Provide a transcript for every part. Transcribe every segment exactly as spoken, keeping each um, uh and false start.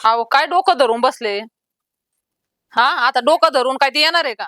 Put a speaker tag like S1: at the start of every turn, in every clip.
S1: अहो काय डोकं धरून बसले. हा आता डोकं धरून काय ती येणार आहे का?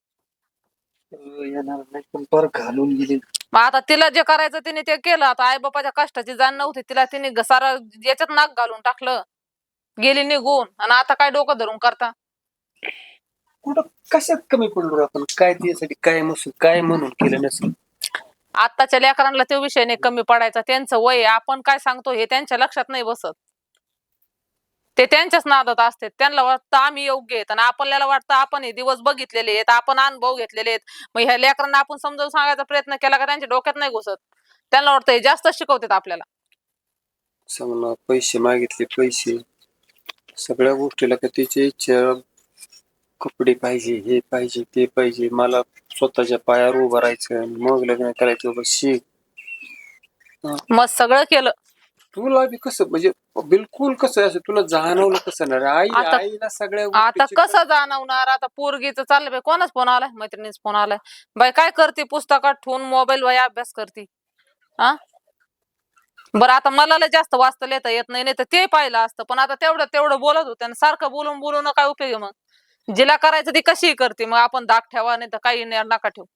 S2: येणार नाही पण पर घालून गेली.
S1: मग आता तिला जे करायचं तिने ते केलं. आता आई बापाच्या कष्टाची जाण नव्हती तिला, तिने सारा याच्यात नाक घालून टाकलं, गेली निघून. आणि आता काय डोकं धरून करता?
S2: कुठं कशात कमी पडलो आपण? काय त्यासाठी काय नसून काय म्हणून केलं नसेल.
S1: आताच्या लेकरांना तो विषय नाही कमी पडायचा. त्यांचं वय आहे, आपण काय सांगतो हे त्यांच्या लक्षात नाही बसत. ते त्यांच्याच नादात असते. त्यांना वाटतं आम्ही योग्य आहेत आणि आपल्याला वाटतं आपण हे दिवस बघितलेले आहेत, आपण अनुभव घेतलेले आहेत. मग ह्या लेकरांना आपण समजावून सांगायचा प्रयत्न केला का त्यांच्या डोक्यात नाही घुसत. त्यांना वाटतं हे जास्त शिकवतात आपल्याला.
S2: समजा पैसे मागितले, पैसे सगळ्या गोष्टीला का त्याची इच्छा, कपडे पाहिजे, हे पाहिजे, ते पाहिजे, मला स्वतःच्या पायावर उभं राहायचं, मग लग्न करायचं. बस शिक.
S1: मग सगळं केलं.
S2: तुला बी कसं म्हणजे बिलकुल कसं असं तुला जाणवलं कसं ना? आई
S1: आता
S2: आईला सगळ्या
S1: आता
S2: गोष्टीची
S1: कसं जाणवणार? आता पोरगीचं चाललंय बाई. कोणाच फोन आलाय? मैत्रिणीच फोन आलाय. बाई काय करते? पुस्तकात ठेवून मोबाईल वर अभ्यास करते. हा बरं आता मला लय जास्त वाचता लिहिता येत नाही, नाही तर ते पाहिलं असतं. पण आता तेवढं तेवढं बोलत होते आणि सारखं बोलून बोलून काय उपयोग आहे? मग जिला करायचं ती कशी करते. मग आपण दाग ठेवा, नाही तर काही नाही नका ठेवू.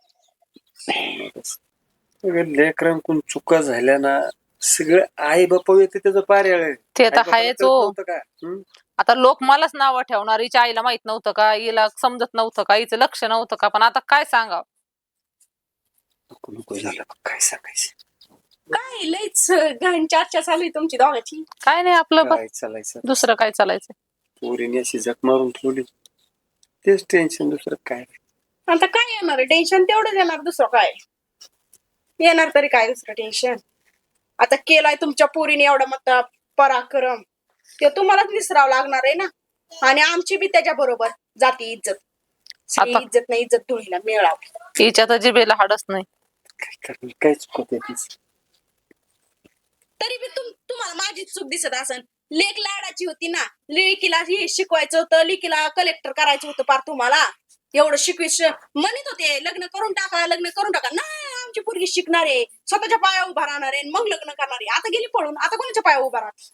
S2: लेकरांकडून चुका झाल्या ना, सगळं आई बापा येते त्याचं पार्याळ.
S1: ते तर आहेच हो.
S2: का
S1: आता लोक मलाच नावं ठेवणार, हिच्या आईला माहित नव्हतं का, हिला समजत नव्हतं का, हिचं लक्ष नव्हतं का. पण आता काय सांगावं?
S2: नको नको झालं काय सांगायचं.
S3: काय लईच घाण चर्चा चालू आहे तुमची दोघांची.
S1: काय नाही आपलं बघ.
S2: काय चालायचं
S1: दुसरं काय चालायचं?
S2: पोरीने अशी जग मारून ठेवली, तेच टेन्शन. दुसरं काय?
S3: आता काय येणार टेन्शन? तेवढंच येणार, दुसरं काय येणार तरी? काय दुसरं टेन्शन? आता केलाय तुमच्या पोरीने एवढा मोठा पराक्रम, ते तुम्हालाच विसरावं लागणार आहे ना. आणि आमची बी त्याच्या बरोबर जाती इज्जत.
S1: आता
S3: इज्जत नाही, इज्जत धुळीला मिळाव.
S1: हिच्या तर जिभेला हाडच नाही.
S2: काय करणार? काय चुकत तीच?
S3: तरी बी तुम तुम्हाला माझी चूक दिसत असन. लेक लाडाची होती ना, लेकीला हे शिकवायचं होतं, लेकीला कलेक्टर करायचं होतं. पार तुम्हाला एवढं शिकविश म्हणत होते लग्न करून टाका, लग्न करून टाका. नाही, आमची पोरगी शिकणार आहे, स्वतःच्या पायावर उभा राहणार आहे, मग लग्न करणार आहे. आता गेली पळून, आता कोणाच्या पायावर उभा राहते?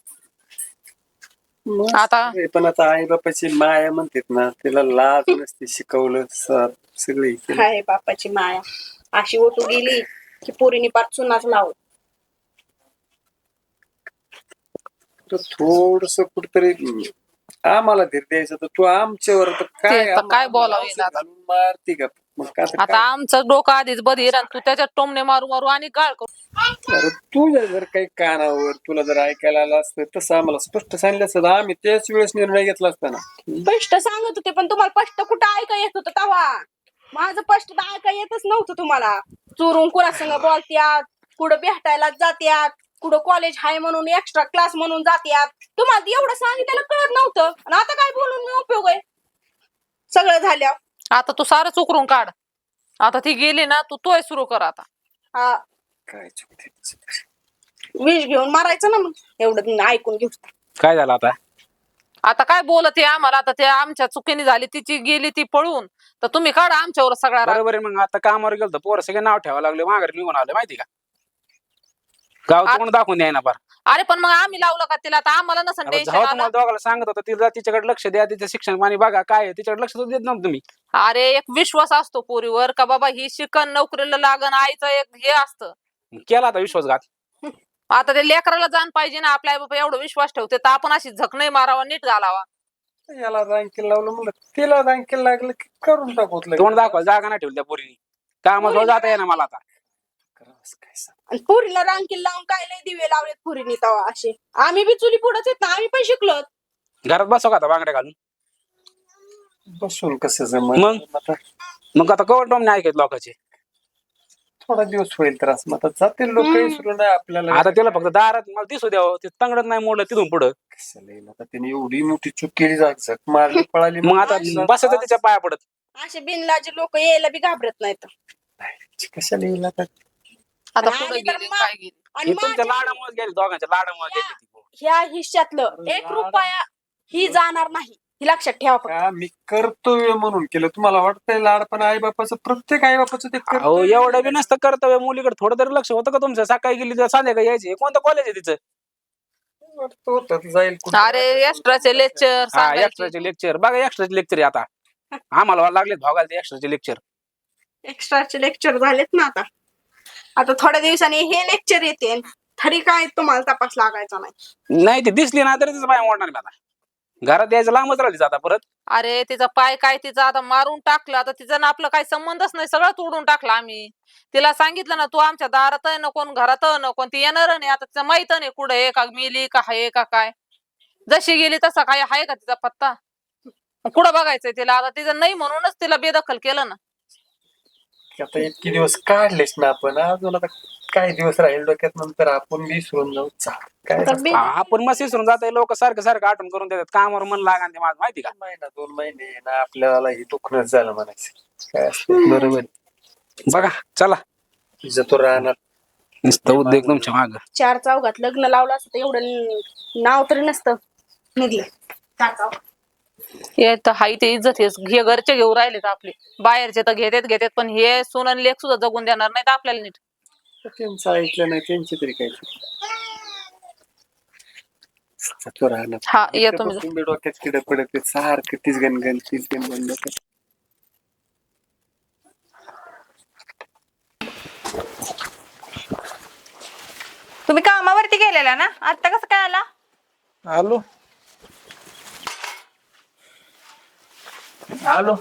S1: आता
S2: पण आता आई बापाची माया म्हणतात ना, तिला लाज नसते, शिकवलं सगळी.
S3: हाय बापाची माया अशी ओटू गेली की पोरीने पार चुनाच लावत.
S2: थोडस कुठतरी आम्हाला धीर द्यायचं तर तू आमच्यावर तर काय
S1: ते तर काय बोलावं
S2: औषध
S1: आता.
S2: घालून मारती का? मग का आता
S1: आता
S2: काय?
S1: आमचं डोकं आधीच बधीर आणि तू त्याच्यात टोमणे मारू मारू आणि गाळ करू.
S2: अरे तुझ्या जर काही कानावर तुला जर ऐकायला आलं असतं तसं आम्हाला स्पष्ट सांगितलं असतं, आम्ही त्याच वेळेस निर्णय घेतला असता ना.
S3: स्पष्ट सांगत होते, पण तुम्हाला स्पष्ट कुठं ऐका येत होतं तेव्हा? माझं स्पष्ट ऐका येतच नव्हतं तुम्हाला. चोरून कुणासंग बोलत्यात, कुठं भेटायला जात्यात, कुठं कॉलेज हाय म्हणून एक्स्ट्रा क्लास म्हणून जात्यात. तुम्हाला एवढं सांगितलं कळत नव्हतं. आणि आता काय बोलून मी उपयोग आहे? सगळं झाल्या
S1: आता तू सारं चुकरून काढ. आता ती गेली ना, तू तोय सुरू कर आता.
S3: हा
S2: काय चुकते?
S3: विष घेऊन मारायचं ना मग, एवढं ऐकून घेऊ.
S4: काय झालं आता?
S1: आता काय बोलत आहे आम्हाला? आता ते आमच्या चुकीने झाली, तिची गेली ती पळून, तर तुम्ही काढा आमच्यावर सगळा राग.
S4: बरोबर आहे. मग आता कामावर गेलो पोरं सगळे नाव ठेवायला लागले, माघारी निघून आले माहिती का? गाव तोंड दाखवून द्याय ना. फार
S1: अरे पण मग आम्ही लावलं का तिला? आता आम्हाला नसन टेन्शन
S4: जेव्हा
S1: आलं.
S4: तुम्हाला दोघाला सांगत होतं तिला तिच्याकडे लक्ष द्या, तिचं शिक्षण पाणी बघा, काय आहे तिच्याकडे लक्ष देत नव्हतं तुम्ही.
S1: अरे एक विश्वास असतो पोरीवर का बाबा ही शिकन, नोकरीला लागन, आईचं एक हे असतं.
S4: केला आता विश्वासघात.
S1: आता ते लेकराला जाण पाहिजे ना, आपल्या आई बाबा एवढा विश्वास ठेवते तर आपण अशी झक नाही मारावा, नीट घालावा.
S2: याला रांकीला लावलं म्हणलं, तिला रांकीला लागलं की करून टाकवत
S4: तोंड दाखवा, जागा नाही ठेवली त्या पोरीने. कामाजवळ जाता येणार मला आता.
S2: काय सांग.
S3: आणि पुरीला रांकील लावून काय लय दिवे लावलेत पुरीने तवा असे. आम्ही बी चुली पुढंच येत ना, आम्ही पण शिकलो.
S4: घरात बसव का आता बांगड्या घालून?
S2: बसून कसं जमत?
S4: मग?
S2: आता
S4: मग आता कवर टोम नाही ऐकत लोकांचे.
S2: थोडा दिवस होईल त्रास, मग आता जातील लोक विसरून नाही आपल्याला.
S4: आता तिला फक्त दारात मला दिसू द्यावं, ते तंगडत नाही मोडलं तिथून पुढं.
S2: कसं येईल आता? तिने एवढी मोठी चूक केली, झक मारली, पळाली.
S4: मग आता बसत तिच्या पाया पडत.
S3: असे बिनलाजे लोक यायला बी घाबरत नाहीत.
S2: कशाला येईल आता?
S1: आता
S3: आणि
S1: पुढे
S3: आम्ही तर
S1: गेली
S3: मा-
S1: काय गेली.
S3: आणि
S4: हे तुमच्या
S3: माझ्या
S4: लाडामुळे गेली, दोघांच्या लाडामुळे गेली ती पोर.
S3: ह्या हिश्श्यातलं एक रुपया ही जाणार नाही, ही लक्षात ठेवा फक्त.
S2: का मी कर्तव्य म्हणून केलं? तुम्हाला वाटतंय लाड? पण आई बापाचं, प्रत्येक आई बापाचं ते
S4: अहो
S2: कर्तव्य.
S4: एवढं बी नसतं कर्तव्य. मुलीकडे थोडं तरी लक्ष होतं का तुमचं? सकाळी गेली तर संध्याकाळी यायची. हे कोणतं कॉलेज आहे तिचं?
S2: तो तर जाईल कुठं.
S1: अरे एक्स्ट्राचे लेक्चर
S4: हा
S1: सांगायचे.
S4: एक्स्ट्राचे लेक्चर बघा एक्स्ट्राचे लेक्चर आता आम्हाला लागले भागायला ते एक्स्ट्राचे लेक्चर
S3: एक्स्ट्राचे लेक्चर झालेत ना आता आता थोड्या दिवसांनी हे लेक्चर येते तरी काय तुम्हाला तपास लागायचा नाही.
S4: नाही ते दिसली ना तरी तिचं पाय मोडणार मी आता घरात यायचं लांबच राहिली आता परत
S1: अरे तिचा पाय काय तिचा आता मारून टाकलं आता तिचा ना आपलं काही संबंधच नाही सगळं तोडून टाकलं आम्ही. तिला सांगितलं ना तू आमच्या दारात नको घरात नको ती येणार नाही आता तिचं माहित नाही कुठं आहे का मेली का आहे का काय. जशी गेली तसा काय आहे का तिचा पत्ता कुठं बघायचंय तिला आता तिचं नाही म्हणूनच तिला बेदखल केलं ना.
S2: आता इतके दिवस काढलेच ना आपण अजून आता काही दिवस राहील डोक्यात नंतर आपण विसरून जाऊ चाल काय
S3: आता
S2: नसतं.
S3: बे-
S4: हा, आपण मस्त विसरून जाते लोक सारखं सारखं आठवण करून देतात कामावर मन लागा ते माझं माहिती का
S2: महिना दोन महिने ना आपल्याला हे दुखणंच झालं म्हणायचं काय असतं बरोबर.
S4: बघा चला
S2: तिचं तो राहणार
S4: नुसतं उद्योग तुमच्या माग
S3: चार चौघात लग्न लावलं असतं तर एवढं नाव तरी नसतं निघलं. चार चौघात.
S1: हे तर हाय ते इज्जत हे घरचे घेऊ राहिलेत आपले बाहेरचे तर घेतात घेतात पण हे सोन आणि लेख सुद्धा जगून देणार नाहीत आपल्याला नीट.
S2: त्यांचं ऐकलं नाही त्यांची तरी काय तो राहणार.
S1: हा येतो मी.
S2: तुम्ही डोक्यात किड पडत सारखं तीच गणगण तीच गणगण डोक्यात.
S5: तुम्ही कामावरती गेलेला ना आता कसं काय आला?
S6: आलो आलो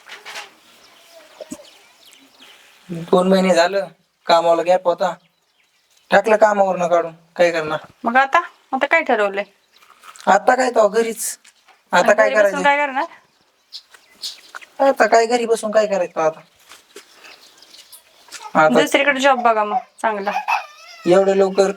S6: दोन महिने झालं कामाला गॅप होता टाकलं कामावर न काढून काय करणार.
S5: मग आता आता काय ठरवलंय?
S6: आता काय तो घरीच आता काय
S5: घरी बसून
S6: करायचं
S5: काय करणार?
S6: आता काय घरी बसून काय करायचं आता आता
S5: दुसरीकडे जॉब बघा मग चांगला.
S6: एवढं लवकर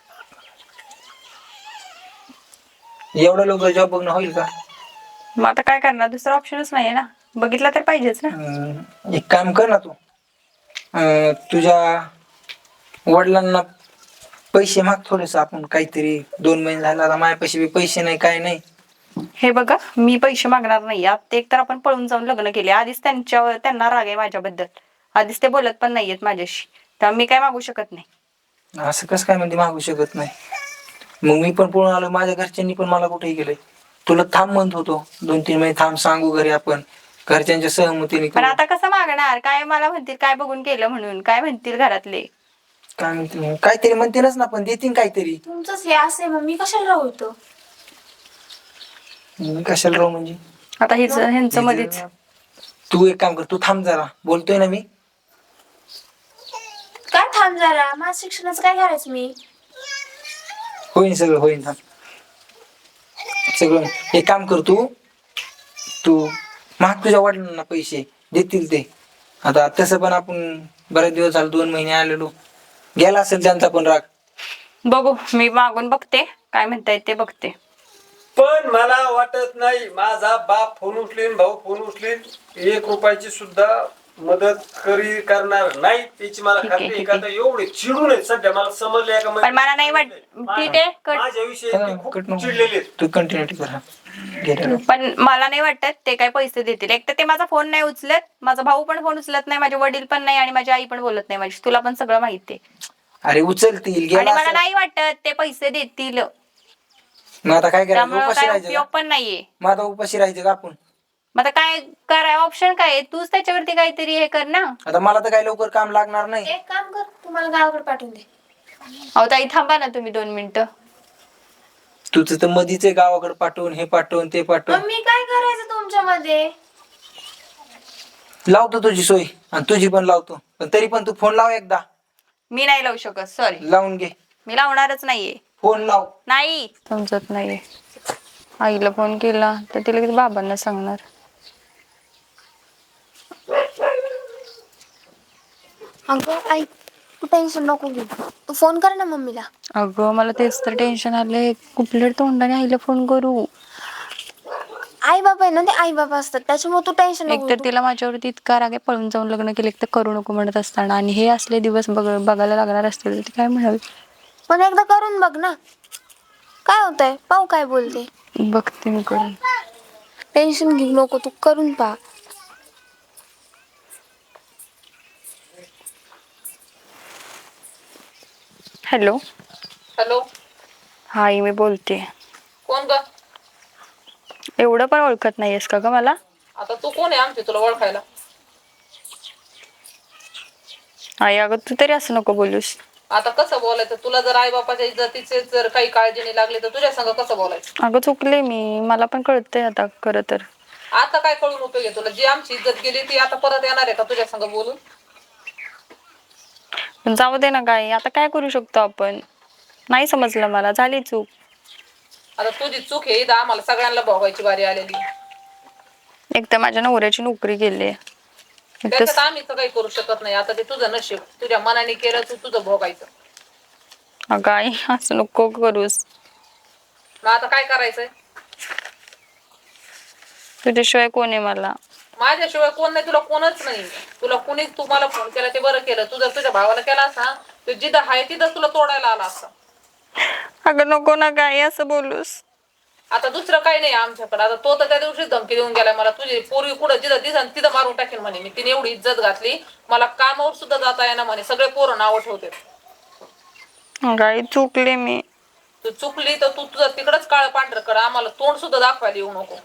S6: एवढं लवकर जॉब बघणं होईल का?
S5: मग आता काय करणार दुसरा ऑप्शनच नाहीये ना बघितला तर पाहिजेच ना.
S6: अं, एक काम कर ना तू अं, तुझ्या वडिलांना पैसे माग थोडेस आपण काहीतरी दोन महिने झाला आता माझ्यापाशी बी पैसे नाही काय नाही.
S5: हे बघा मी पैसे मागणार नाही आता एक तर आपण पळून जाऊन लग्न केले आधीच त्यांच्यावर त्यांना राग आहे माझ्याबद्दल आधीच ते बोलत पण नाहीयेत माझ्याशी त्यामुळे मी काय मागू शकत नाही.
S6: असं कसं काय म्हणजे मागू शकत नाही. मग मी पण पळून आलो माझ्या घरच्यांनी पण मला कुठेही गेलंय तुला थांब म्हणत होतो दोन तीन महिने थांब सांगू घरी आपण घरच्यांच्या सहमतीने
S5: पण
S6: करू.
S5: आता कसं मागणार काय मला म्हणतील काय बघून केलं म्हणून काय म्हणतील घरातले.
S6: काय म्हणते काहीतरी म्हणतीलच ना पण देतील काहीतरी.
S7: तुमचंच हे असे मग मी कशाला राहू इथं?
S6: मी कशाला राहू म्हणजे
S5: आता हिच ह्यांचं मध्येच
S6: तू एक काम कर तू थांब जरा बोलतोय ना मी.
S7: काय थांब जरा माझ्या शिक्षणाचं काय करायचं मी?
S6: होईन सगळं होईन थांब सगळं. एक काम कर तू तू माग तुझ्या वडिलांना पैसे देतील ते आता तसं पण आपण बरेच दिवस झाले दोन महिने आलेलो गेला असेल त्यांचा पण राग.
S5: बघू मी मागून बघते काय म्हणतायत ते बघते.
S2: पण मला वाटत नाही माझा बाप फोन उचलीन भाऊ फोन उचलीन एक रुपयाची सुद्धा मदत करी करणार नाही त्याची मला
S5: ठीक आहे,
S2: खात्री आहे.
S5: ठीक
S2: का
S5: आहे.
S2: तर एवढे चिडून आहेत सध्या मला समजले का
S5: पण मला नाही वाट ठीक आहे कट
S2: माझ्याविषयी ते खूप चिडलेले आहेत.
S6: तू कंटिन्यू कर हा. घे
S5: पण मला नाही वाटत ते काय पैसे देतील एक तर ते माझा फोन नाही उचलत माझा भाऊ पण फोन उचलत नाही माझे वडील पण नाही आणि माझी आई पण बोलत नाही माझी तुला पण सगळं माहिती आहे.
S6: अरे उचलतील
S5: आणि
S6: गेला
S5: मला
S6: असेल.
S5: नाही वाटत ते पैसे देतील
S6: मग आता काय करायचं
S5: त्यामुळे
S6: उपाशी
S5: काय
S6: राहायचं
S5: उपयोग
S6: का?
S5: पण नाहीये.
S6: मग आता उपाशी राहायचं का आपण.
S5: मग आता काय कराय ऑप्शन काय आहे? तूच त्याच्यावरती काहीतरी हे कर ना.
S6: आता मला तर काही लवकर काम लागणार नाही.
S7: एक काम कर तुम्हाला गावाकडे पाठवून दे.
S5: अहो ताई थांबा ना तुम्ही दोन मिनिटं.
S6: तुझं तर मधीच आहे गावाकडे पाठवून हे पाठवून ते पाठवून
S7: मग मी काय करायचं तुमच्यामध्ये?
S6: लावतो तुझी सोय आणि तुझी पण लावतो पण तरी पण तू फोन लाव एकदा.
S5: मी नाही लावू शकत सॉरी
S6: लावून घे
S5: मी लावणारच नाहीये.
S6: फोन लाव.
S5: नाही समजत नाहीये. आईला फोन केला तर तिला किती बाबांना सांगणार.
S7: अगं आई तू टेन्शन नको घेऊ तू फोन कर ना मम्मीला.
S5: अगं मला तेच तर टेन्शन आलंय कुठल्या तोंडाने आईला फोन करू.
S7: आई बाबा आहे ना ते आई बाबा असतात त्याच्यामुळे तू टेन्शन
S5: एक
S7: नको
S5: तर
S7: घेऊ.
S5: तिला माझ्यावरती इतका राग आहे पळून जाऊन लग्न केले तर करू नको म्हणत असताना आणि हे असले दिवस बघ बघायला लागणार असतील तर ती काय म्हणाल.
S7: पण एकदा करून बघ ना काय होतंय पाहू काय बोलते.
S5: बघते मी करून.
S7: टेन्शन घेऊ नको तू करून पहा.
S5: हॅलो
S1: हॅलो
S5: हाय मी बोलते.
S1: कोण ग?
S5: एवढं पण ओळखत नाहीयेस का ग मला?
S1: आता तू कोण आहे आमची तुला ओळखायला?
S5: आई अगं तू तरी असं नको बोलूस.
S1: आता कसं बोलायचं? तुला जर आई बापाच्या इज्जतीचे जर काही काळजी नाही लागली तर तुझ्या संग कसं बोलायचं?
S5: अगं चुकले मी, मला पण कळतंय आता खरं तर.
S1: आता काय कळून उपयोग आहे तुला? जी आमची इज्जत गेली ती आता परत येणार आहे का तुझ्या संग बोलून?
S5: पण जाऊ दे ना काय, आता काय करू शकतो आपण? नाही समजलं मला, झाली चूक.
S1: आता तुझी चूक आहे, इथं आम्हाला सगळ्यांना भोगायची बारी आलेली.
S5: एक तर माझ्या नवऱ्याची नोकरी गेली.
S1: त्याच्यात आम्ही तर काही करू शकत नाही. आता ते तुझं नशीब, तुझ्या मनाने केलं तू तुझं भोगायचं.
S5: अगं आई असं नको करूस.
S1: मग आता काय करायचंय?
S5: तुझ्याशिवाय कोण आहे मला?
S1: माझ्याशिवाय कोण नाही, तुला कोणच नाही. तुला कुणीच तुम्हाला फोन केला ते बरं केलं. तू जर तुझ्या भावाला केला असता तर जिथं आहे तिथं तुला तोडायला आला असता.
S5: अगं नको ना काय असं बोलूस.
S1: आता दुसरं काही नाही आमच्याकडे. आता तो तर त्या दिवशी धमकी देऊन गेलाय मला, तुझी पोरगी कुठं जिथं दिसन तिथं मारून टाकेल म्हणे. मी तिने एवढी इज्जत घातली, मला कामावर सुद्धा जाता येणार म्हणे. सगळे पोरं नावं ठेवते.
S5: अगं आई चुकले मी.
S1: तू चुकली तर तू तुझं तिकडच काळ पांढर कर, आम्हाला तोंड सुद्धा दाखवायला येऊ नको.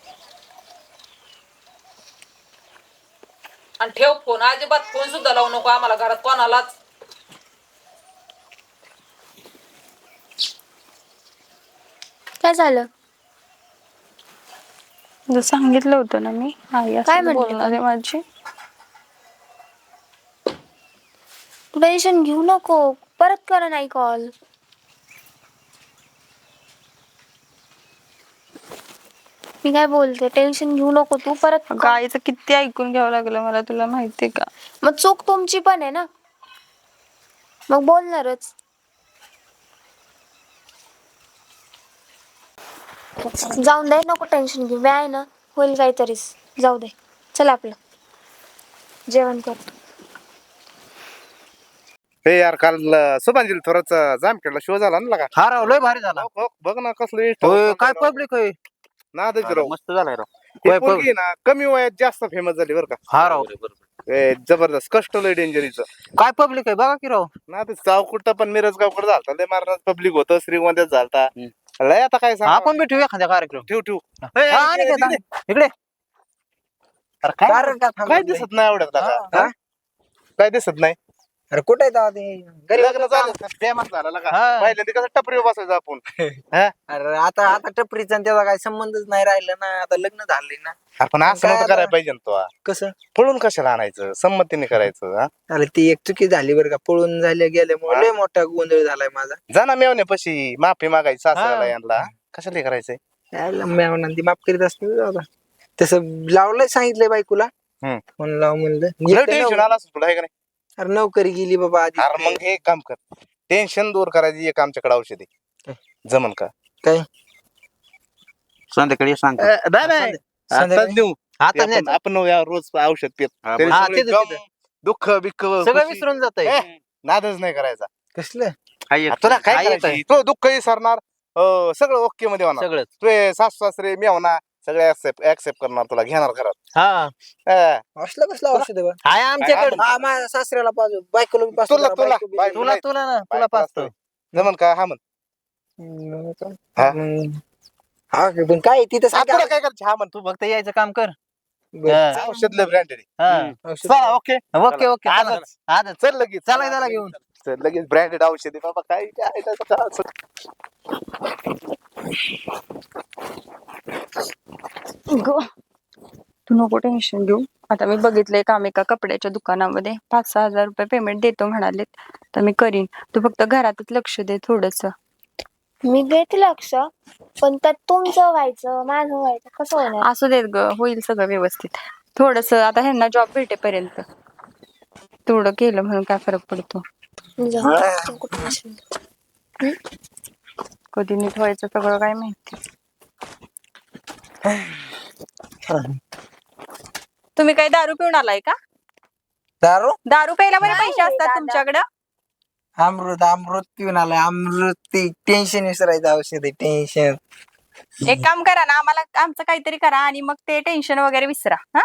S1: आणि ठेव फोन, अजिबात फोन सुद्धा लावू नको आम्हाला घरात कोणालाच.
S7: काय झालं?
S5: जर सांगितलं होतं ना मी, आई
S7: काय
S5: असं
S7: म्हणते
S5: बोलणार आहे माझी.
S7: तू टेन्शन घेऊ नको, परत करा नाही कॉल. मी काय बोलते, टेन्शन घेऊ नको तू, परत
S5: अगं आईचं किती ऐकून घ्यावं लागलं मला, तुला माहितीये का?
S7: मग चूक तुमची पण आहे ना, मग बोलणारच. जाऊन दे, नको टेन्शन घेऊ. मी आहे ना, होईल काहीतरीच. जाऊ दे, चल आपलं जेवण करतो.
S8: हे यार काल शुभांजली थोराचा जामखेडला शो झाला ना का?
S9: हा राव लय भारी झाला.
S8: हो, हो, बघ ना कसलं
S9: होय, काय पब्लिक होय.
S8: नादच राव.
S9: मस्त झालाय राव.
S8: ही
S9: होय,
S8: पोरगी आहे ना कमी वयात जास्त फेमस झाली बरं का?
S9: हा राव
S8: ए, जबरदस्त कष्ट लय डेंजरीचं.
S9: काय पब्लिक आहे बघा की राव.
S8: ना ते चावकुटा पण मिरजगावकडे झालता लय मारणार पब्लिक होतं, श्रीगोंद्यात झालता लय. आता काय सांग,
S9: आपण बी ठेवू एखाद्या कार्यक्रम.
S8: ठेव ठेव.
S9: हा, आणि काय सांग? इकडे
S8: अरे काय
S6: कारण का थांबत
S8: काय
S6: नाही?
S8: दिसत नाही एवढ्यात
S6: हा?
S8: का? काय दिसत नाही?
S6: अरे कुठे आहे तेव्हा ते? घरी
S8: लग्न
S6: होतं
S8: झालं
S6: का?
S8: तर बेमार झाला का?
S9: हा.
S8: पहिल्यांदा कसं टपरीवर बसायचं आपण.
S6: अरे आता आता टपरीचा आणि त्याचा काही संबंधच नाही राहिला ना, आता लग्न झाले ना.
S8: आपण असं
S6: काय
S8: नव्हतं
S6: आता?
S8: करायला पाहिजे ना तो.
S6: कसं?
S8: पळून कशाला आणायचं, संमतीने करायचं. हा?
S6: अरे ती एक चुकी झाली बरं का, पळून झाल्या गेल्यामुळे लय मोठा गोंधळ झालाय माझा.
S8: जा ना मेवण्यापाशी माफी मागायची सासऱ्याला
S9: हा.
S8: यांना. कशाला हे करायचंय?
S6: यायला म्यावना ती माफ करीत असते दादा. तसं लावलंय, सांगितलंय बायकोला.
S8: हम्म.
S6: म्हणून लाव म्हणलं.
S8: लय
S6: एक तर
S8: टेन्शन
S6: नव-
S8: आलं असं तुला, आहे का नाही?
S6: अरे नोकरी गेली बाबा आधी.
S8: अरे मग हे काम कर, टेन्शन दूर करायची एक आमच्याकडे औषध आहे. जमन का?
S6: काय?
S9: संध्याकाळी सांग.
S8: नाही नाही आता
S6: संध्याकाळी?
S8: देऊ.
S9: आता
S8: आपण आपण या रोज औषध पित
S9: हा,
S8: त्याने
S9: हा,
S8: सगळे
S9: तिथं-
S8: गम,
S9: तिथं.
S8: दुःख बिक्क
S9: सगळं विसरून जात
S8: ए, नादच नाही करायचा.
S6: कसलं?
S8: तुला काय करायचं? तो दुःख विसरणार, अं, सगळं ओके मध्ये होणार.
S9: सगळं.
S8: तुझे सासू सासरे मी होणार, सगळे ऍक्सेप्ट करणार, तुला घेणार घरात.
S9: हा
S8: अं,
S6: असलं कसलं औषध आहे बा?
S9: आहे आमच्याकडे.
S6: हा, माझ्या सासऱ्याला पाजू, बायकोला बी पाजतो
S8: तुला
S6: जरा,
S8: तुला
S6: बायको बी-
S8: बायको
S9: तुला
S8: नाही.
S9: तुला ना तुला
S8: बायको
S9: पाचतो.
S8: असतं. जमन का? हा म्हण.
S6: हम्म, का?
S8: हा?
S6: हम्म. हा पण काय तिथं
S8: हा,
S6: सांग
S8: तुला काय करायचं? हा म्हण तू.
S9: फक्त यायचं काम कर.
S6: बरं.
S9: हा.
S8: औषध लय ब्रँडेड
S9: हा.
S6: औषध-
S8: चला ओके.
S9: ओके ओके
S8: चला.
S9: आजच आजच
S8: चल लगेच
S9: चला त्याला घेऊन.
S8: चल लगेच ब्रँडेड औषध आहे बाबा. काय काय त्याचं काय असं.
S5: ग तू नको टेन्शन घेऊ. आता मी बघितलंय काम एका कपड्याच्या दुकानामध्ये पाच सहा हजार रुपये पेमेंट देतो म्हणालेत, तर मी करीन. तू फक्त घरातच लक्ष दे थोडस.
S7: मी देते लक्ष, पण त्यात तुमचं व्हायचं माझं व्हायचं कसं होणार?
S5: असू देत ग, होईल सगळं व्यवस्थित. थोडस आता ह्यांना जॉब भेटेपर्यंत थोडं केलं म्हणून काय फरक पडतो?
S7: जाऊ दे, तू कुठं बसली?
S5: कधी नीट व्हायचं सगळं काय माहिती. तुम्ही काही दारू पिऊन आलाय का?
S6: दारू
S5: दारू प्यायला बरे
S7: नाही
S5: पैसे असतात
S7: दादा.
S5: तुमच्याकडं?
S6: अमृत अमृत पिऊन आलाय. अमृत ते टेन्शन विसरायचं औषध आहे, टेन्शन.
S5: एक काम करा ना, आम्हाला आमचं काहीतरी करा आणि मग ते टेन्शन वगैरे विसरा. हा,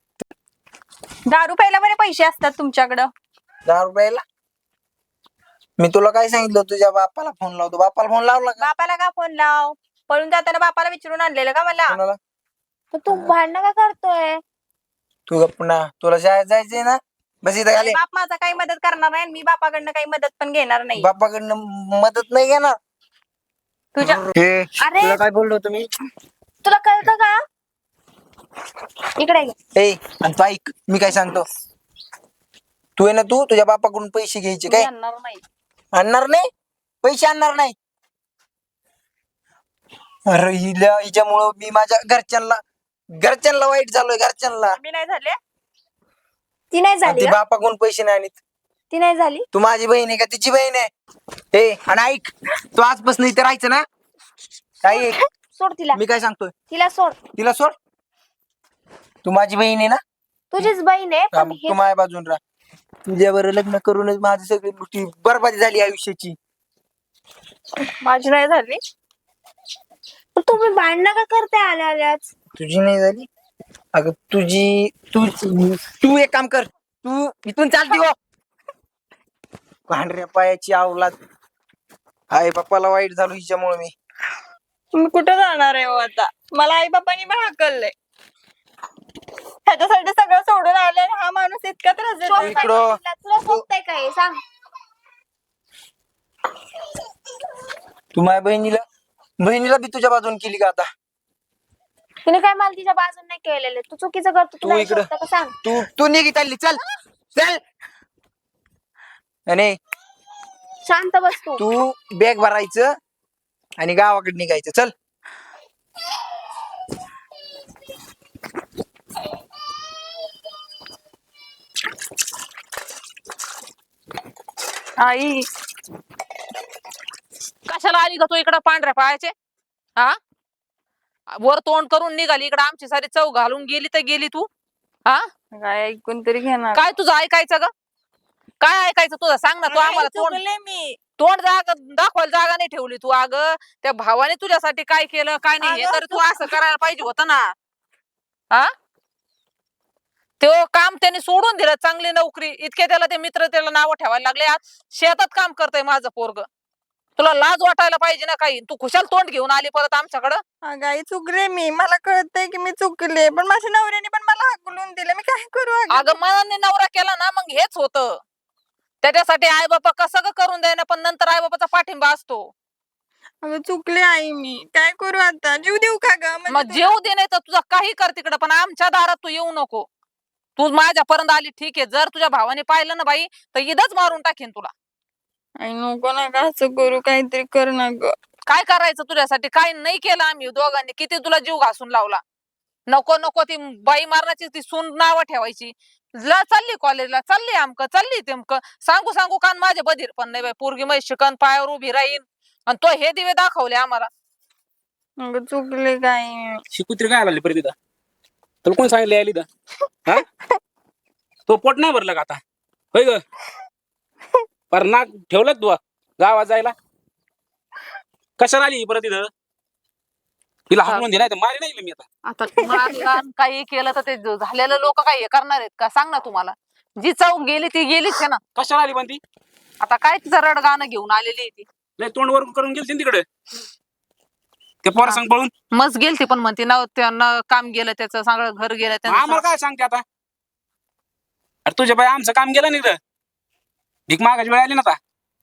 S5: दारू प्यायला बरे पैसे असतात तुमच्याकडं.
S6: दारू प्यायला मी तुला काय सांगितलं तुझ्या बापाला फोन लावतो बापाला फोन लावला का
S5: बापाला का फोन लाव? पळून जाताना बापाला विचारून आणलेलं का मला?
S6: कोणाला
S7: पण तू भांडणं का करतोय?
S6: तू गप्प ना तुला शाळेत जायचंय ना बस इथं खाली
S5: बाप माझा काही मदत करणार नाही आणि मी बापाकडनं काही मदत पण घेणार नाही.
S6: बापाकडनं मदत नाही घेणार
S5: तुझ्या
S6: हे
S7: अरे
S9: तुला काय बोललो तुम्ही?
S7: तुला कळतं का? इकडे ये.
S6: ए आणि तू ऐक मी काय सांगतो तू आहे ना तू तुझ्या बापाकडून पैसे घ्यायचे
S5: मी
S6: काय
S5: आणणार नाही.
S6: आणणार नाही पैसे आणणार नाही अरे हिला हिच्यामुळं मी माझ्या घरच्यांना घरच्यांना वाईट झालोय घरच्यांना
S5: मी नाही झाले.
S7: ती नाही
S6: आणि
S7: झाली
S6: ती
S7: का?
S6: बापाकडून पैसे नाही आणत
S7: ती नाही झाली.
S6: तू माझी बहीण आहे का तिची बहीण आहे ए आणि ऐक तू आजपासून इथे राहायचं ना काय ऐक,
S7: सोड तिला.
S6: मी काय सांगतोय
S7: तिला सोड.
S6: तिला सोड तू माझी बहीण आहे ना
S7: तुझीच बहीण आहे
S6: हा,
S7: पण
S6: मग
S7: हे
S6: तू माझ्या बाजून राहा तुझ्यावर लग्न करूनच माझी सगळी गोष्टी बरबादी झाली आयुष्याची
S5: माझी नाही झाली.
S7: पण तुम्ही भांडणं का करताय आल्या आल्याच?
S6: तुझी नाही झाली अगं तुझी तू तू एक काम कर तू इथून चालती हो पांढऱ्या पायाची अवलाद आई बाप्पाला वाईट झालो हिच्यामुळे मी
S5: मी कुठं जाणार आहे हो आता? मला आई बाबांनी पण हाकललंय. ह्याच्यासाठी सगळं सोडून आलंय आणि हा माणूस इतका त्रास देतोय.
S7: सोडताय
S6: इकडं.
S7: का तिला? तुला सोडताय काय हे सांग.
S6: तू माझ्या बहिणीला बहिणीला बी तुझ्या बाजून केली का आता
S7: तिने काय मला तिच्या बाजून नाही केलेलं. तू चुकीचं करतो.
S6: तू
S7: तुला हे
S6: इकडं.
S7: सोडतं का सांग.
S6: तू तू निघी चालली चल चल आणि
S7: शांत बस तू.
S6: तू बॅग भरायचं आणि गावाकडे निघायचं चल
S5: आई
S1: कशाला आली का तू इकडं पांढऱ्या पायाचे? हा वर तोंड करून निघाली इकडं आमची सारी चव घालून गेली तर गेली तू. हा
S5: काय ऐकून तरी घेणार.
S1: काय तुझं ऐकायचं ग? काय ऐकायचं तुझं सांग ना तू आम्हाला तोंड
S5: चुकले मी.
S1: तोंड जागा दाखवायला जागा नाही ठेवली तू. अगं त्या भावाने तुझ्यासाठी काय केलं काय नाही हे
S5: अगं,
S1: तर तू असं करायला पाहिजे होतं ना. हा ते काम त्याने सोडून दिलं चांगली नोकरी इतके त्याला ते मित्र त्याला नावं ठेवायला लागले आज शेतात काम करतय माझं पोरग. तुला लाज वाटायला पाहिजे ना काही. तू खुशाल तोंड घेऊन आली परत आमच्याकडं.
S5: अगं आई चुकले मी. मला कळतंय की मी चुकले पण माझ्या नवऱ्याने पण मला हाकलून दिलं. मी काय करू अगं?
S1: अगं मनाने नवरा केला ना मग हेच होतं. त्याच्यासाठी आई बापा कसं ग करून द्यायना पण नंतर आई बापाचा पाठिंबा असतो.
S5: अगं चुकले आई मी. काय करू आता? जीव देऊ का ग? म्हणजे
S1: मग जेव दे नाही तर तुझं काही कर तिकडं पण आमच्या दारात तू येऊ नको. तू माझ्यापर्यंत आली ठीक आहे. जर तुझ्या भावाने पाहिलं ना बाई तर इथंच मारून टाकेन तुला.
S5: आई नको ना का असं करू. काहीतरी कर ना ग.
S1: काय करायचं तुझ्यासाठी? काय नाही केलं आम्ही दोघांनी. किती तुला जीव घासून लावला. नको नको ती बाई मारण्याची ती सून नावं ठेवायची. ला चालली कॉलेजला चालली आमक चालली तेमक सांगू सांगू कान माझे बधीर पण नाही बाई. पोरगी मै शिकन पायावर उभी राहीन आणि तो हे दिवे दाखवले आम्हाला.
S5: अगं चुकले काय.
S4: शिकुत्री काय आली परत इथं? तुला कोण सांगितलं यायला इथं? हा तो पोट नाही भरलं का आता? होय ग पर नाक ठेवलं तू गावात जायला? कशाला आली परत इथं? तिला हाकलून दे नाही तर मारी नाही मी आता.
S1: आता मारला आणि काही केलं तर ते झालेलं लोक काय हे करणार आहेत का सांग ना तुम्हाला. जी चौक गेली ती गेलीच आहे ना.
S4: कशाला आली पण ती?
S1: आता काय तिचं रडगाणं घेऊन आलेली आहे ती.
S4: नाही तोंड वर करून गेली तिकडे ते पोरा सांग पळून.
S1: मस्त गेलती पण म्हणते ना त्यांना काम गेलं त्याचं सगळं घर गेलं त्यांचं.
S4: आम्हाला काय सांगते आता? अरे तुझ्या बाई आमचं काम गेलं नाही तर भीक मागायची वेळ आली ना आता.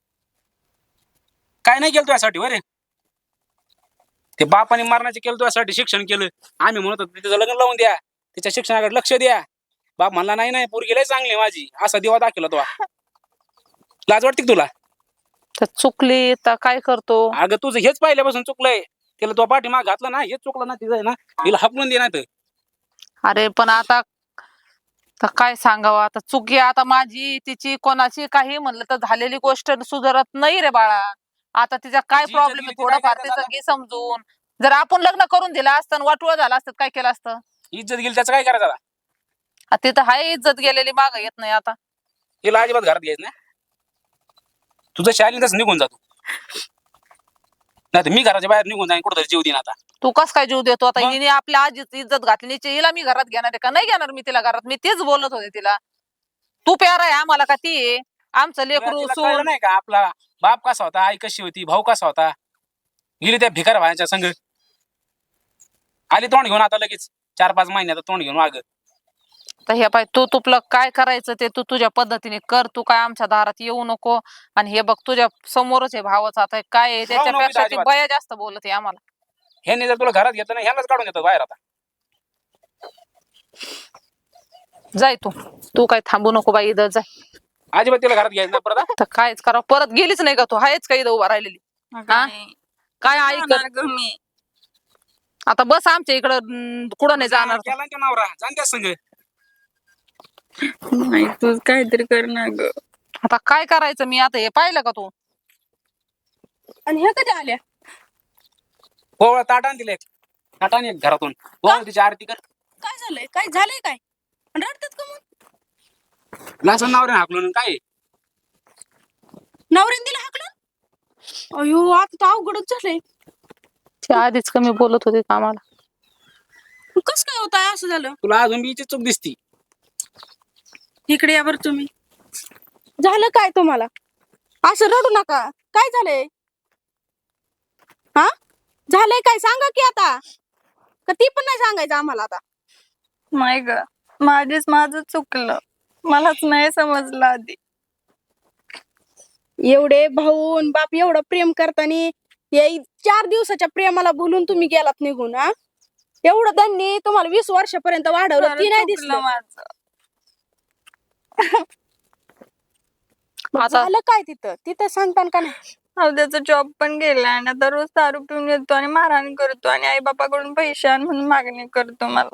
S4: काय नाही केलं तुझ्यासाठी बरे. ते बापाने मारण्याचे केलं तुझ्यासाठी शिक्षण केलं. आम्ही म्हणत होतो तिचं लग्न लावून द्या तिच्या शिक्षणाकडे लक्ष द्या. बाप म्हणला नाही नाही पोरगी लय चांगली माझी असा दिवा दाखवला तो. लाज वाटते का तुला?
S1: तर चुकली तर काय करतो.
S4: अगं तुझं हेच पहिल्यापासून चुकलंय. तिला तो पाठीमाग घातला ना हेच चुकलं ना तिचं आहे ना. तिला हकलून दे नाही.
S1: अरे पण आता तर काय सांगावं आता. चुकी आता माझी तिची कोणाची काही म्हणलं तर झालेली गोष्ट सुधारत नाही रे बाळा. आता तिचा काय
S4: जी
S1: प्रॉब्लेम
S4: जगली
S1: आहे
S4: ती
S1: थोडंफार
S4: काय
S1: तिचं
S4: करायचं
S1: घे समजून. जर आपण लग्न करून दिलं असतं वाटुळ झालं असतं काय केलं असतं.
S4: इज्जत गेली त्याचं काय करायचं आता?
S1: आ, तिथं हाय इज्जत गेलेली माग येत नाही आता.
S4: तिला अजिबात घरात घ्यायचं ना. तुझं शालीन तसं निघून जातो नाही तर मी घराच्या बाहेर निघून जाईन कुठं जीव देईन आता.
S1: तू कस काय जीव देतो आता.
S4: मग?
S1: हिने आपल्या आजीची इज्जत घातली हिची- हिला मी घरात घेणार आहे का नाही घेणार मी तिला घरात. मी तेच बोलत होते तिला. तू प्यारा आहे आम्हाला का ती आहे. आमचं
S4: तिला-
S1: लेकरू
S4: तिला कळलं
S1: सून
S4: नाही का आपला बाप कसा होता, आई कशी होती, भाऊ कसा होता. गेली त्या भिकार भायांच्या संग, आली तोंड घेऊन आता लगेच चार पाच महिन्यात तोंड घेऊन माग.
S1: तर हे पाय तू तुपलं काय करायचं ते तू तुझ्या पद्धतीने कर. तू काय आमच्या दारात येऊ नको. आणि हे बघ तुझ्या समोरच आहे भावाचं आता काय आहे, त्याच्यापेक्षा ती
S4: अजिबात.
S1: बया जास्त बोलत आहे आम्हाला.
S4: ह्याने जर तुला घरात घेतलं ना, ह्यालाच काढून देतो बाहेर आता.
S1: जाय तू तू काय थांबू नको बाई इथं जाय.
S4: अजिबात तिला घरात घ्यायचं नाही परत हा.
S1: तर कायच करा परत गेलीच नाही का तू आहेच का इथं उभा राहिलेली. हा? काय ऐकत
S5: मी
S1: आता बस आमच्या इकडं कुठं नाही जाणार तू.
S4: गेला ना त्या नवरा, जाण त्या संग.
S5: नाही तू काहीतरी कर ना ग.
S1: आता काय करायचं मी आता हे पाहिलं का तू.
S3: आणि ह्या कधी आल्या
S4: पोवळा ताटान दिले, ताटान एक घरातून पोवळ तिची आरती कर.
S3: काय झालंय काय झालंय काय आणि रडतात का मग
S4: लासन नवऱ्याने हाकलून काय आहे?
S3: नवऱ्याने दिला हाकलं अयो आता तर अवघडच झालंय
S1: ती आधीच कमी बोलत होती का आम्हाला.
S3: कस काय होत आहे असं झालं
S4: तुला अजून बीची चूक दिसती.
S3: इकडे या बरं तुम्ही झालं काय तुम्हाला असं रडू नका काय झालंय हा झालंय काय सांगा की आता का ती पण नाही सांगायचं आम्हाला आता
S5: नाही ग माझीच माझं चुकलं, मलाच नाही समजलं आधी.
S3: एवढे भाऊन बाप एवढं प्रेम करताना या चार दिवसाच्या प्रेमाला भुलून तुम्ही गेलात निघून. हा एवढं त्यांनी तुम्हाला वीस वर्षापर्यंत वाढवलं ती नाही
S5: चुकलं
S3: दिसलं
S5: माझं.
S3: मग
S1: आता-
S3: झालं काय तिथं तिथं सांगतान का नाही
S5: अहो त्याचा जॉब पण गेला आणि आता रोज दारू पिऊन येतो आणि मारहाण करतो आणि आई बापाकडून पैसे आण म्हणून मागणी करतो मला.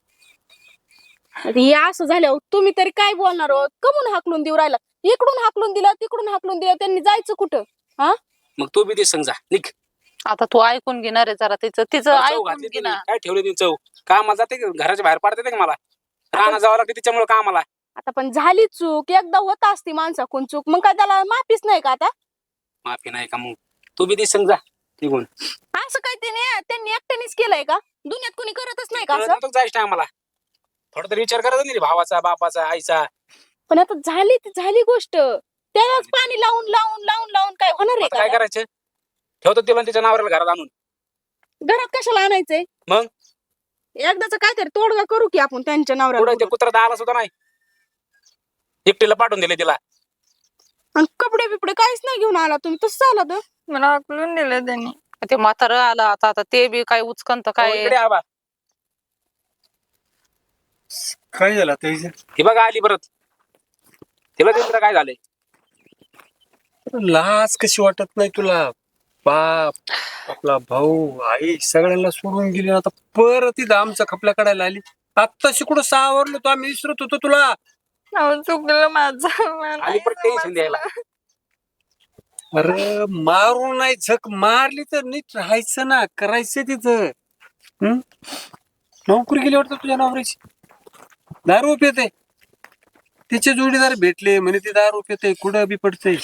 S3: हे असं झाल्यावर तुम्ही तरी काय बोलणार आहोत कमून हाकलून देऊ राहिला इकडून हाकलून दिलं तिकडून हाकलून दिलं त्यांनी जायचं कुठं हा
S4: मग तू बी ते संग जा निघ.
S1: आता तू ऐकून घेणार आहे जरा तिचं तिचं
S4: चव
S1: ऐकून
S4: घातली
S1: घे
S4: तिने.
S1: ना.
S4: काय ठेवली तिने चव, कामाला जाते का? घराच्या बाहेर पाडते का मला? राहणं जावं लागते तिच्यामुळे कामाला.
S3: आता पण झाली चूक एकदा होत असती माणसाकडून चूक मग काय त्याला माफीच नाही का आता
S4: माफी नाही का? मग तू बी ते संग जा निघून.
S3: असं काय त्याने त्यांनी एकट्यानेच केलंय का दुनियात कोणी करतच नाही का असं
S4: जायचं आम्हाला थोडा तरी विचार करत नाही भावाचा, बापाचा, आईचा.
S3: पण आता झाली ती झाली गोष्ट त्यालाच पाणी लावून लावून लावून लावून काय होणार
S4: आता काय
S3: आहे का
S4: करायचं? ठेवतो तिला आणि तिच्या नावाला घरात आणून.
S3: घरात कशाला आणायचंय
S4: मग?
S3: एकदाच काहीतरी तोडगा करू की आपण त्यांच्या
S4: पुढे ते
S3: नवऱ्याला
S4: कुत्रा आला सुद्धा नाही, एकटीला पाठवून दिले तिला.
S3: आणि कपडे बिपडे काहीच नाही घेऊन आला तुम्ही तसं झालं तर
S5: मला हाकलून दिलं त्यांनी.
S1: ते म्हातारं आलं आता आता ते बी काय उचकंत
S4: हो,
S1: काय
S4: इकडे आबा.
S2: काय झालं आता हिचं?
S4: ही बघा आली परत. तिला तिला काय झालंय?
S2: लाज कशी वाटत नाही तुला? बाप आपला भाऊ आई सगळ्यांना सोडून गेली आता परत इथं आमचा खपल्या काढायला आली. आत्ताशी कुठं सावरलो तो आम्ही विसरत होतो तुला.
S5: अहो चुकलं माझं. मला
S4: आली
S5: नाही
S4: परत टेन्शन द्यायला.
S5: समजलं.
S2: अरे मारून नाही झक मारली तर नीट राहायचं ना करायचं तिथं. हम्म नोकरी गेली वाटतं तुझ्या नवऱ्याची. दारू पिते तिचे जोडीदार भेटले म्हणे ते दारू पिते कुठं बी पडते.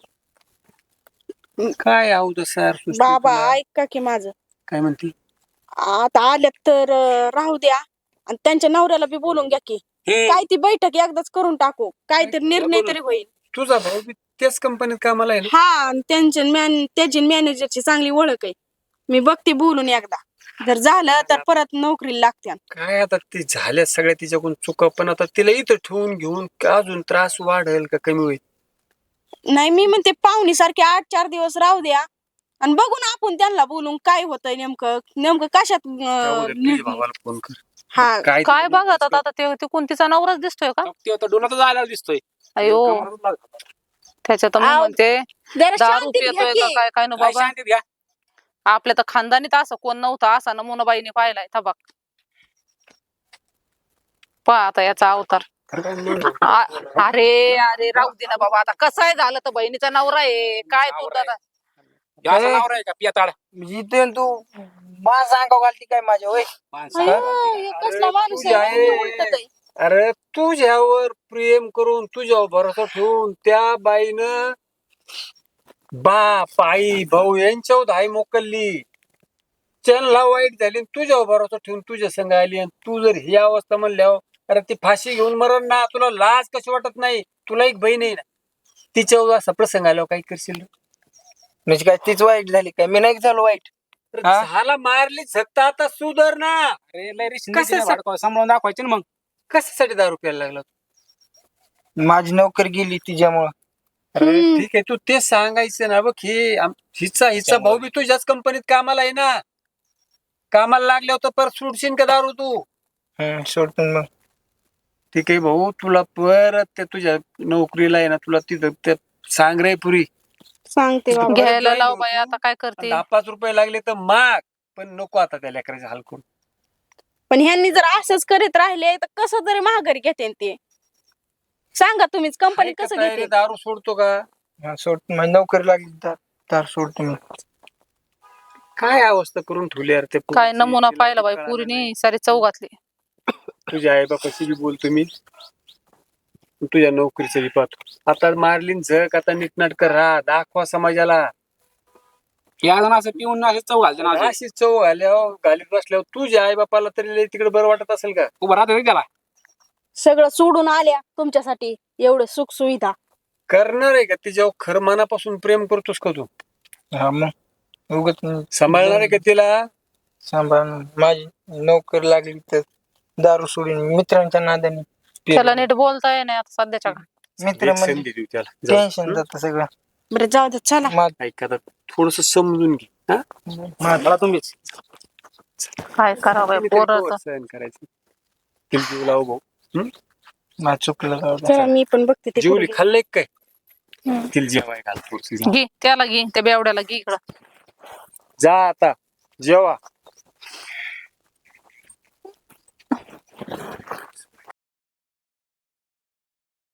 S2: काय आहो सर
S3: बाबा ऐका की माझं
S2: काय म्हणते?
S3: आता आल्यात तर अं, राहू द्या आणि त्यांच्या नवऱ्याला बी बोलून घ्या की
S4: हम्म.
S3: काय ती बैठक एकदाच करून टाकू काहीतरी निर्णय तरी होईल
S2: तुझा भाऊ बी त्याच कंपनीत कामाला आहे ना?
S3: हा आणि त्यांच्या मॅन त्याची मॅनेजरची चांगली ओळख आहे मी बघते बोलून एकदा जर झालं तर परत नोकरीला लागते
S2: काय आता ते झाल्या सगळ्या तिच्याकडून चुका पण आता तिला इथं ठेवून घेऊन अजून त्रास वाढेल का कमी होईल?
S3: नाही मी म्हणते पाहुणी सारखे आठ चार दिवस राहू द्या आणि बघू ना आपण त्यांना बोलून काय होतंय नेमकं नेमकं कशात अं,
S2: त्यामुळे तुझ्या भावाला फोन कर.
S3: हा
S2: काय
S1: काय बघत आता आता ते ते कोणतीचा नवराच दिसतोय का?
S4: तो आता डोलातच आल्याला दिसतोय.
S1: अयो त्याच्यात मी
S3: आव.
S1: म्हणते
S3: जरा
S1: दारू
S3: शांतीत घ्या
S1: पितोय का
S3: की.
S1: काय काय न
S4: काय
S1: बाबा.
S4: शांतीत घ्या.
S1: आपल्या तर खानदानीत असं कोण नव्हतं असा नमुना बाईने पाहिलाय तबाक. पहा आता याचा अवतार. आ- अरे अरे राहू दे ना बाबा आता कसं आहे झालं तर बहिणीचा नवरा आहे काय तू
S4: नवरा आहे.
S1: दादा
S4: ह्यो असा नवरा आहे का पियाताळ?
S6: इथे तू माझा अंगाव घालती काय माझ्या होय?
S4: माणसं.
S3: अयो, हे कसला माणूस आहे
S2: तुझ्या
S3: म्हणजे
S2: आई-
S3: उलटत आहे.
S2: अरे तुझ्यावर प्रेम करून तुझ्यावर भरोसा ठेवून त्या बाईनं बाप आई भाऊ यांच्यावर हाय मोकलली. त्यांना वाईट झाली आणि तुझ्यावर भरोसा ठेवून तुझ्या संग आली आणि तू जर ही अवस्था म्हणल्यावर अरे ती फाशी घेऊन मरण ना तुला लाज कशी वाटत नाही? तुला एक बहीण आहे ना तिच्यावर असा प्रसंग आल्यावर काय करशील?
S6: म्हणजे काय तीच वाईट झाली काय? मी नाही झालो वाईट. हा?
S2: झाला मारली झकता आता सुधर ना.
S4: अरे लय रिस्क
S2: कशासाठी?
S4: नाही सांभाळून दाखवायचे ना मग.
S2: कशासाठी दारू प्यायला लागला?
S6: माझी नोकरी गेली तिच्यामुळं.
S2: अरे ठीक आहे, तू तेच सांगायचं ना. बघ ही आम- हिचा हिचा भाऊ बी तुझ्याच कंपनीत कामाला आहे ना. कामाला लागल्यावर तर परत सुटशील का दारू तू?
S6: हम्म, सोडतो मग.
S2: ठीक आहे भाऊ, तुला परत ते तुझ्या नोकरीला आहे ना, तुला तिथं ते सांग रे पुरी.
S3: सांगते बाबा.
S1: घ्यायला
S2: जाईल
S1: लाव
S2: हो
S1: बाई,
S2: तू.
S1: आता काय करते?
S2: दहा पाच रुपये लागले तर माग, पण नको आता त्या लेकराचे हाल करून.
S3: पण ह्यांनी जर असंच करीत राहिले तर कसं तरी महागारी घेते ते सांगा तुम्हीच. कंपनी
S2: आहे का
S3: कसं
S2: तयारी?
S3: घेते?
S2: दारू सोडतो का?
S6: हा, सोडतो. माझी नोकरी लागली तर तर सोडतो मी.
S2: काय अवस्था करून ठेवली यार ते
S1: काय
S2: पोरीची?
S1: नमुना
S2: तिला
S1: पाहिला
S2: बी
S1: बाई
S2: कळालं
S1: पुरीने
S2: नाही.
S1: सारी चव घातली.
S2: तुझ्या आई बापाशी बी बोलतो मी, तुझ्या नोकरीचं बी पाहतो. आता मारलीन झक, आता नीटनाटक राहा, दाखवा समाजाला.
S4: या जण असं पिऊन असं चव घालते ना अशी.
S2: अशी चव घाल्यावर घालीत बसल्यावर तुझ्या आई बापाला तरी लय तिकडे बरं वाटत असेल का?
S4: उभं राहतो त्याला.
S3: सगळं सोडून आल्या तुमच्यासाठी एवढं सुख सुविधा.
S2: करणार आहे का तिच्यावर खरं मनापासून प्रेम करतोस का तू?
S6: हा मग उगत
S2: सांभाळणार आहे का तिला?
S6: सांभाळ. माझी नोकरी लागली तर दारू सोडून मित्रांच्या नादाने
S1: त्याला नीट बोलता येईना आता सध्याच्या काळात.
S6: मित्र
S2: एक
S6: म्हणजे
S2: संधी देऊ त्याला. जाऊ.
S6: टेन्शन जात सगळं.
S3: बरं जाऊ दे चला.
S6: मा-
S2: ऐका आता थोडस समजून घे. हा?
S4: मला तुम्हीच.
S1: काय करावं बाई
S2: तुम्ही तरी
S1: पोरं
S2: केव्हा
S1: तर.
S2: सहन करायचं? तिला जीव लाव भाऊ. हं?
S6: माझं चुकलं जाऊ दे.
S3: चला मी पण बघते ते
S2: जेवली
S3: पोरगी.
S2: खाल्ले काय? तिला जेवाय घाल थोडीशी.
S1: घे त्याला घे, त्या बेवड्याला घे इकडं.
S2: जा आता जेवा.